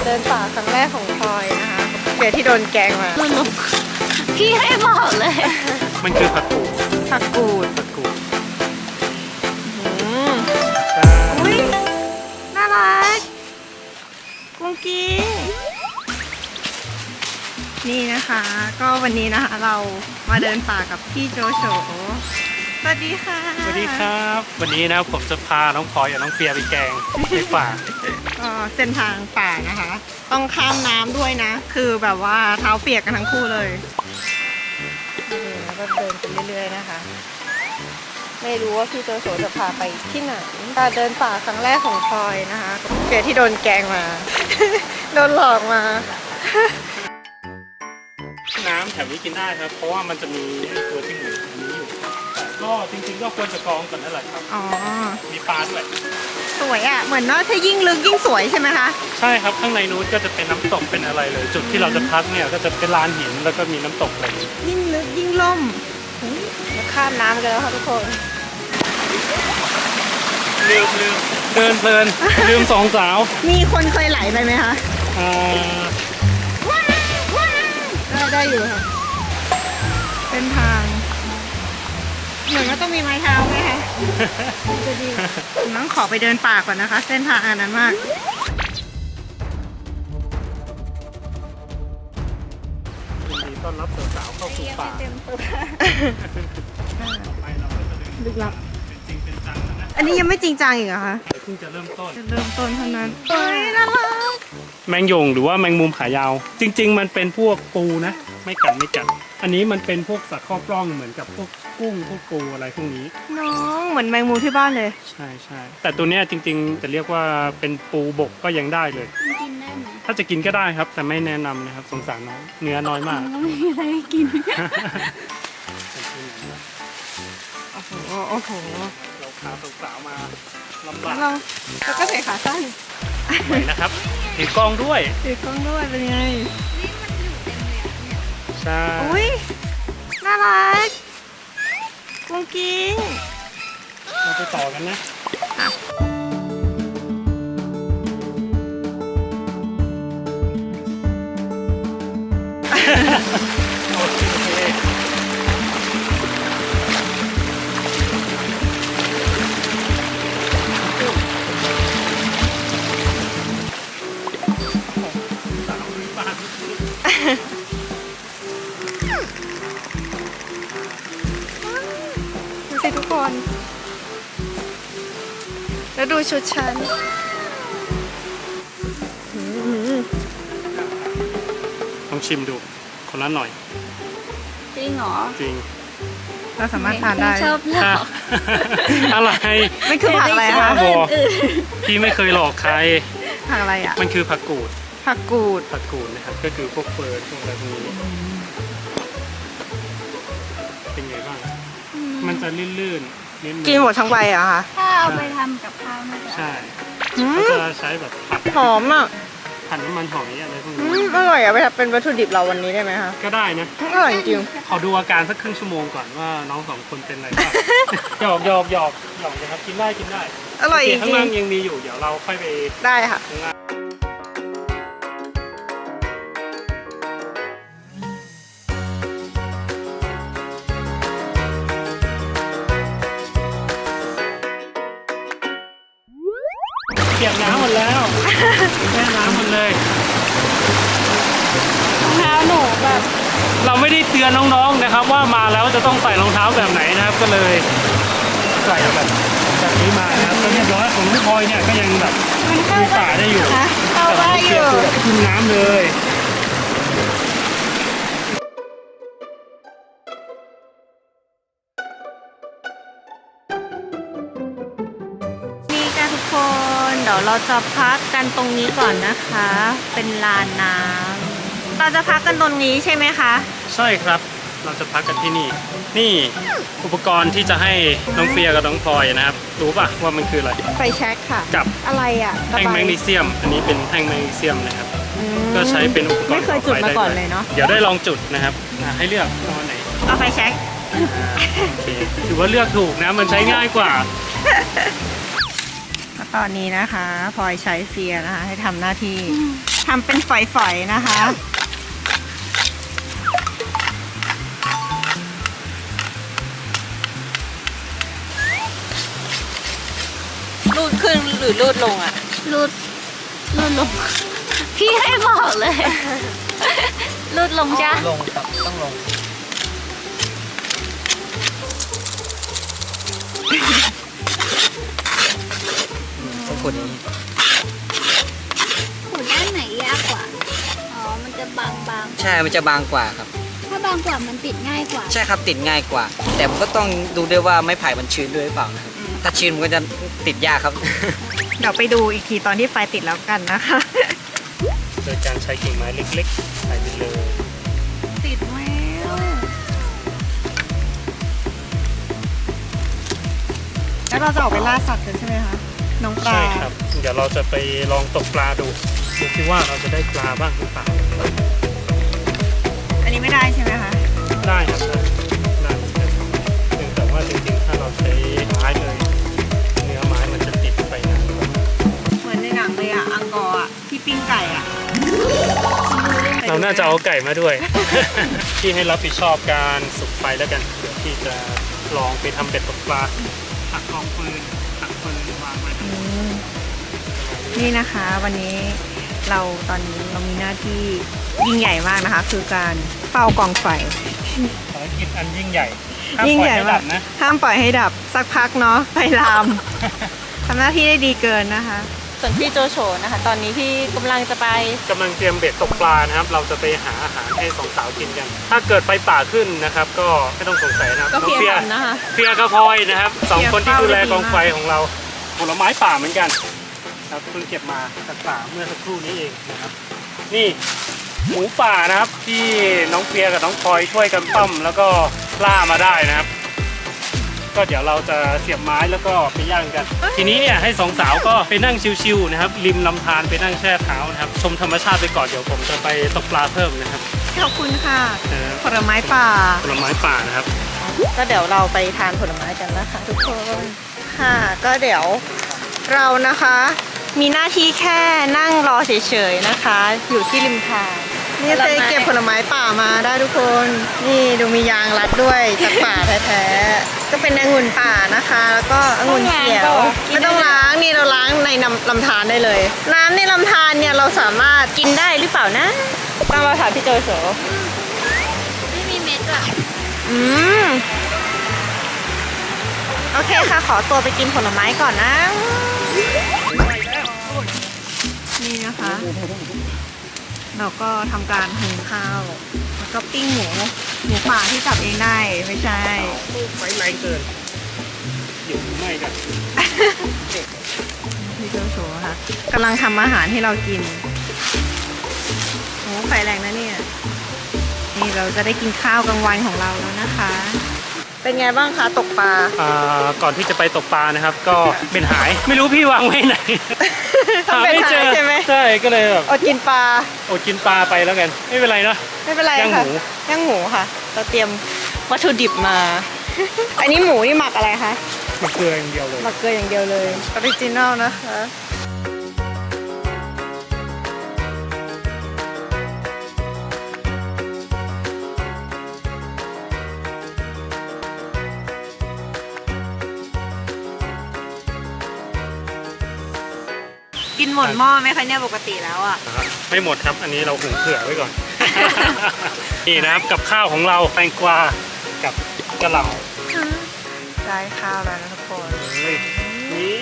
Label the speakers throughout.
Speaker 1: เดินป่าครั้งแรกของพลอยนะคะเดี๋ยวที่โดนแกงมา
Speaker 2: พี่ให้บอกเลย
Speaker 3: มันคือผักกูด
Speaker 1: ผักกูด
Speaker 3: ผักกูด
Speaker 1: อืม
Speaker 3: ใช่
Speaker 1: อุ้ยน่ารักกุ้งกิ้งนี่นะคะ ก็วันนี้นะคะเรามาเดินป่ากับพี่โจโฉสวัสดีค่ะ
Speaker 3: สวัสดีครับ วันนี้นะผมจะพาน้องพลอยกับน้องเฟียไปแกงในป่า
Speaker 1: ก็เส้นทางป่านะคะ ต้องข้ามน้ำด้วยนะ คือแบบว่าเท้าเปียกกันทั้งคู่เลยนี่แล้วก็เดินไปเรื่อยๆนะคะ ไม่รู้ว่าพี่โจโฉจะพาไปที่ไหนการเดินป่าครั้งแรกของพลอยนะคะเฟียที่โดนแกล้งมา โดนหลอกมา
Speaker 3: น้ำแถวนี้กินได้ครับ เพราะว่ามันจะมีตัวจิ้งหรีดอันนี้อยู่แต่ก็จริงๆก็ควรจะกรองก่อนนั่นแหละครับ
Speaker 1: อ๋อ
Speaker 3: มีปลาด้วย
Speaker 1: สวยอ่ะ เหมือนว่าถ้ายิ่งลึกยิ่งสวยใช่ไหมคะ
Speaker 3: ใช่ครับข้างในนู้นก็จะเป็นน้ำตกเป็นอะไรเลย จุดที่เราจะพักเนี่ยก็จะเป็นลานหินแล้วก็มีน้ำตกอะไรอย่างนี้
Speaker 1: ยิ่งลึกยิ่งล่มมาข้ามน้ำกันแล้วค่ะทุกคน
Speaker 3: ลืมเดินเพลินลืมสองสาว
Speaker 1: มีคนเคยไหลไปไหมคะ
Speaker 3: อ่า
Speaker 1: ได้อยู่ค่ะเส้นทาง เหมือนว่าต้องมีไม้เท้าไหมคะจะดีน้องขอไปเดินป่าก่อนนะคะ เส้นทางอันนั้นมาก
Speaker 3: ยินดีต้อนรับสาวๆเข้าสู่ป่า
Speaker 1: เต็มตัว
Speaker 3: ต่อไปเราก็จะเดิน
Speaker 1: ลึกลับ
Speaker 3: เป็นจริงเป็นจังแล้วนะ
Speaker 1: อันนี้ยังไม่จริงจังอีกเหรอคะ
Speaker 3: เพิ่งจะเริ่มต้น
Speaker 1: จะเริ่มต้นเท่านั้นเฮ้ยน่ารัก
Speaker 3: แมงยงหรือว่าแมงมุมขายาว จริง ๆ มันเป็นพวกปูนะ ไม่กัด อันนี้มันเป็นพวกสัตว์ข้อปล้องเหมือนกับพวกกุ้งพวกปูอะไรพวกนี้
Speaker 1: น้องเหมือนแมงมุมที่บ้านเลย
Speaker 3: ใช่แต่ตัวเนี้ยจริง ๆ จะเรียกว่าเป็นปูบกก็ยังได้เลย
Speaker 2: กินได้ไหม
Speaker 3: ถ้าจะกินก็ได้ครับ แต่ไม่แนะนำนะครับสงสารน้องเนื้อน้อยมาก
Speaker 2: มันก็ไม่มีอะไรให้กิน
Speaker 1: โอ้โห โอ้โห
Speaker 3: เราพาสาวๆมาลำบาก
Speaker 1: เราก็ใส่ขาสั้น
Speaker 3: ไหวนะครับถือกล้องด้วย
Speaker 1: ถือกล้องด้วยเป็นไง
Speaker 3: ใช่
Speaker 1: อุ้ยน่ารักกุ้งกิ้ง
Speaker 3: เราไปต่อกันนะ โอเคสาวบ้าน
Speaker 1: ดูสิทุกคน แล้วดูชุดฉันหืม
Speaker 3: ลองชิมดูคนละหน่อย
Speaker 2: จริงเหรอ
Speaker 3: จริง
Speaker 1: เราสามารถทานได้
Speaker 2: ชอบหลอก
Speaker 3: อะไร
Speaker 1: มันคือผักอะไร
Speaker 3: บ้า
Speaker 1: คะ
Speaker 3: บอพี่ไม่เคยหลอกใคร
Speaker 1: ผักอะไรอ่ะ
Speaker 3: มันคือผักกูด
Speaker 1: ผักกูด
Speaker 3: ผักกูดนะครับ ก็คือพวกเฟิร์นพวกอะไรพวกนี้ เป็นไงบ้าง มันจะลื่นๆนิดนึง
Speaker 1: กินหมดทั้งใบเหรอะคะ
Speaker 2: ถ้าเอาไปทำกับข้าวน่าจะ
Speaker 3: ใช่
Speaker 1: อื
Speaker 3: เขา
Speaker 1: ม
Speaker 3: จะใช้แบบผัด
Speaker 1: หอมอ่ะ
Speaker 3: ผัดน้ำมันหอยอะไรพวก
Speaker 1: อื
Speaker 3: นี้
Speaker 1: มอร่อยอ่ะไปทำเป็นวัตถุดิบเราวันนี้ได้ไหมคะ
Speaker 3: ก็ได้นะ
Speaker 1: อร่อยจริง
Speaker 3: ขอดูอาการสักครึ่งชั่วโมงก่อนว่าน้องสองคนเป็นอะไรบ้าง หยอกนะครับกินได้
Speaker 1: ๆอร่อยจ
Speaker 3: โเคข้าง
Speaker 1: ริ
Speaker 3: ล่าง งยังมีอยู่ เดี๋ยวเราค่อยไป
Speaker 1: ๆได้ค่ะ
Speaker 3: ข้างล่างเปียกน้ำหมดแล้ว แช่น้ำหมดเลย
Speaker 1: รองเท้าหนูแบบ
Speaker 3: เราไม่ได้เตือนน้องๆนะครับ ว่ามาแล้วจะต้องใส่รองเท้าแบบไหนนะครับ ก็เลยใส่แบบนี้มานะครับก็เรียบร้อยของพี่พลอยเนี่ยก็ยังแบบ
Speaker 1: มันเข้า
Speaker 3: มีป่าได้อยู่
Speaker 1: คะเข้าได้อยู่
Speaker 3: แต่ขึ้นน้ำเลย
Speaker 1: นี่ค่ะทุกคนเดี๋ยวเราจะพักกันตรงนี้ก่อนนะคะ เป็นลานน้ำเราจะพักกันตรงนี้ใช่ไหมคะ
Speaker 3: ใช่ครับ เราจะพักกันที่นี่ นี่อุปกรณ์ที่จะให้น้องเฟียกับน้องพลอยนะครับ รู้ป่ะว่ามันคืออะไร
Speaker 1: ไฟแช็กค่ะ
Speaker 3: กับ
Speaker 1: อะไรอ่ะ
Speaker 3: แท่งแมกนีเซียม อันนี้เป็นแท่งแมกนีเซียมนะครับ
Speaker 1: อืม
Speaker 3: ก็ใช้เป็นอุปกรณ์
Speaker 1: ไม่เคยจุดมาก่อนเลยเนาะ
Speaker 3: เดี๋ยวได้ลองจุดนะครับให้เลือกตอนไหน
Speaker 1: เอาไฟแช็ก
Speaker 3: โอเคถือว่าเลือกถูกนะ มันใช้ง่ายกว่า
Speaker 1: ตอนนี้นะคะพลอยใช้เฟียนะคะ ให้ทำหน้าที่ทำเป็นฝอยๆนะคะรูดขึ้นหรือรูดลงอ่ะ
Speaker 2: รูดลง พี่ให้บอกเลย รูดลงจ้ะ
Speaker 4: ลงครับต้องลงต้องกดอย่างนี้
Speaker 2: ขูดด้านไหนยากกว่า อ๋อ มันจะบาง
Speaker 4: ใช่มันจะบางกว่าครับ
Speaker 2: ๆ ถ้าบางกว่ามันติดง่ายกว่า
Speaker 4: ใช่ครับติดง่ายกว่า แต่มันก็ต้องดูด้วยว่าไม้ไผ่มันชื้นด้วยหรือเปล่านะครับถ้าชื้นมันก็จะติดยากครับ
Speaker 1: เดี๋ยวไปดูอีกทีตอนที่ไฟติดแล้วกันนะคะ
Speaker 3: โดยการใช้กิ่งไม้เล็กๆใส่ไปเลย
Speaker 1: ติดแล้วแล้วเราจะออกไปล่าสัตว์กันใช่ไหมคะน้องปลา
Speaker 3: ใช่ครับ เดี๋ยวเราจะไปลองตกปลาดูซิว่าเราจะได้ปลาบ้างหรือเปล่า
Speaker 1: อันนี้ไม่ได้ใช่ไหมคะ
Speaker 3: ได้ครับได้เหมือนกันเพียงแต่ว่าจริงๆถ้าเราใช้ไม้เลยเนื้อไม้มันจะติดไปนานกว่า
Speaker 1: เหมือนในหนังเลยอะอังกอร์อะที่ปิ้งไก่อะ
Speaker 3: เราน่าจะเอาไก่มาด้วย ที่ให้รับผิดชอบการสุกไฟแล้วกันเดี๋ยวที่จะลองไปทำเบ็ดตกปลาตักกองฟืนตักฟืนวางไว้
Speaker 1: นี่นะคะวันนี้ตอนนี้เรามีหน้าที่ยิ่งใหญ่มากนะคะ คือการเฝ้ากองไฟ
Speaker 3: ภารกิจอันยิ่งใหญ่ห้าม
Speaker 1: ยิ่ง
Speaker 3: ปล่อย
Speaker 1: ใหญ่
Speaker 3: ให้
Speaker 1: มา
Speaker 3: ดั
Speaker 1: ก
Speaker 3: บนะ
Speaker 1: ห้ามปล่อยให้ดับสักพักเนาะไฟลาม ทำหน้าที่ได้ดีเกินนะคะ ส่วนพี่โจโฉนะคะ ตอนนี้พี่กำลังจะไป
Speaker 3: กำลังเตรียมเบ็ดตกปลานะครับ เราจะไปหาอาหารให้สองสาวกินกัน ถ้าเกิดไฟป่าขึ้นนะครับ ก็ไม่ต้องสงสัยนะครับ
Speaker 1: ก็
Speaker 3: น้อง
Speaker 1: เพีย
Speaker 3: เฟีย
Speaker 1: ทำนะคะ
Speaker 3: เฟียกับพลอยนะครับสองคนที่ดูแล
Speaker 1: เฟียเฝ้าได้ดี
Speaker 3: กองไฟของเราผลไม้ป่าเหมือนกันครับเพิ่งเก็บมาจากป่าเมื่อสักครู่นี้เองนะครับ นี่หมูป่านะครับที่น้องเฟียกับน้องพลอยช่วยกันต้มแล้วก็ล่ามาได้นะครับ ก็เดี๋ยวเราจะเสียบไม้แล้วก็ไปย่างกัน ทีนี้เนี่ยให้สองสาวก็ไปนั่งชิวๆนะครับ ริมลำธารไปนั่งแช่เท้านะครับ ชมธรรมชาติไปก่อนเดี๋ยวผมจะไปตกปลาเพิ่มนะครับ
Speaker 1: ขอบคุณค่ะ
Speaker 3: เออ
Speaker 1: ผลไม้ป่า
Speaker 3: ผลไม้ป่านะครับ
Speaker 1: ก็เดี๋ยวเราไปทานผลไม้กันนะคะทุกคน ค่ะ ก็เดี๋ยวเรานะคะ มีหน้าที่แค่นั่งรอเฉยๆนะคะ อยู่ที่ริมทางนี่เฟยเก็บผลไม้ป่ามาได้ทุกคน นี่ดูมียางรัดด้วยจากป่าแท้ๆ ก็เป็นองุ่นป่านะคะ แล้วก็องุ่นเขียว ไม่ต้องล้าง นี่เราล้างในลำธารได้เลย น้ำในลำธารเนี่ยเราสามารถกินได้หรือเปล่านะต้องมาถามพี่โจโฉ
Speaker 2: ไม่มีเม็ดอ่ะ
Speaker 1: อืม โอเคค่ะ ขอตัวไปกินผลไม้ก่อนนะ นี่นะคะ เราก็ทำการหุงข้าว แล้วก็ปิ้งหมูป่าที่จับเองได้ ไม่ใช่
Speaker 3: ไฟแรงเกินอยู่ไม่กัน
Speaker 1: พี่โจโฉค่ะกำลังทำอาหารให้เรากินโอ้ไฟแรงนะเนี่ย นี่เราจะได้กินข้าวกลางวันของเราแล้วนะคะ เป็นไงบ้างคะตกปลา
Speaker 3: ก่อนที่จะไปตกปลานะครับ ก็เป็นหายไม่รู้พี่วางไว้ไหน
Speaker 1: ต้องเป็นหายใช่ไหม
Speaker 3: ใช่ก็เลยแบบ
Speaker 1: อดกินปลา
Speaker 3: อดกินปลาไปแล้วกันไม่เป็นไรเนอะ
Speaker 1: ไม่เป็นไร
Speaker 3: ย่าง
Speaker 1: ค่ะ
Speaker 3: หมู
Speaker 1: ย่างหมูค่ะ เราเตรียมวัตถุดิบมา อันนี้หมูนี่หมักอะไรคะ
Speaker 3: มะเกลืออย่างเดียวเลย
Speaker 1: หมักเกลืออย่างเดียวเลยออริจินอลนะคะ กินหมดหม้อไหมคะเนี่ยปกติแล้วอ่ะ
Speaker 3: ไม่หมดครับ อันนี้เราหุงเผื่อไว้ก่อน นี่นะครับกับข้าวของเราแตงกวากับกะหล่ำ
Speaker 1: ได้ข้าวแล้วนะทุกคน
Speaker 3: เลยนี่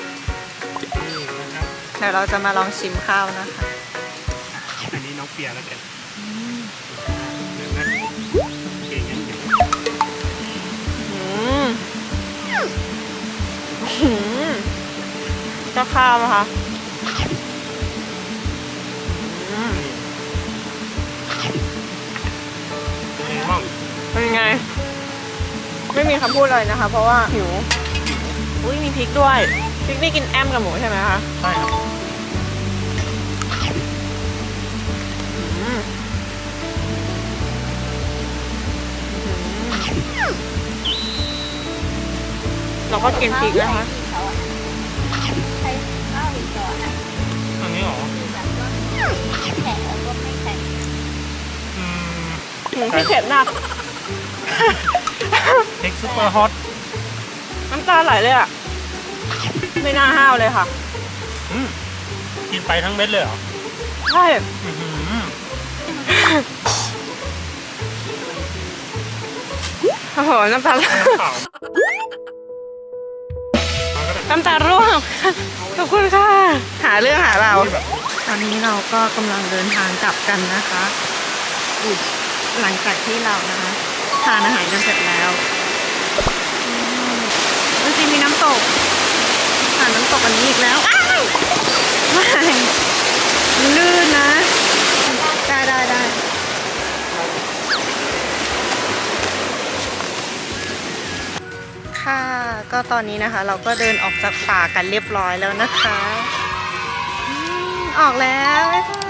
Speaker 3: นะครับ
Speaker 1: เดี๋ยวเราจะมาลองชิมข้าวนะคะ
Speaker 3: อันนี้น้องเปียแล้วกันเห็นไหมเก่งยังอยู่
Speaker 1: ก็ข้าวนะคะ
Speaker 3: นี่ห้อง
Speaker 1: เป็นไง ไม่มีคำพูดเลยนะคะ เพราะว่าหิว อุ้ยมีพริกด้วย พริกนี่กินแอมกับหมูใช่ไหมคะ
Speaker 3: ใช่ครับ
Speaker 1: เราก็กินพริกนะคะ
Speaker 2: ใช้ข้าวอีกก่อนอ่ะ
Speaker 3: อันนี้เหรอ
Speaker 1: พี่เผ็ดมาก
Speaker 3: พริกซุปเปอร์ฮอต
Speaker 1: น้ำตาไหลเลยอ่ะ ไม่น่าห้าวเลยค่ะ
Speaker 3: กินไปทั้งเม็ดเลยเหรอ
Speaker 1: ใช่
Speaker 3: อื้อหือ
Speaker 1: โอ้โห น้ำตาไหล
Speaker 3: เปล่า
Speaker 1: น้ำตาร่วง ขอบคุณค่ะ หาเรื่องหาเรา ตอนนี้เราก็กำลังเดินทางกลับกันนะคะหลังจากที่เรานะคะทานอาหารกันเสร็จแล้วจริงๆมีน้ำตกหาน้ำตกอันนี้อีกแล้วอ้ายไม่ลื่นนะ ได้ ค่ะ ก็ตอนนี้นะคะ เราก็เดินออกจากป่ากันเรียบร้อยแล้วนะคะออกแล้วบ๊ายบ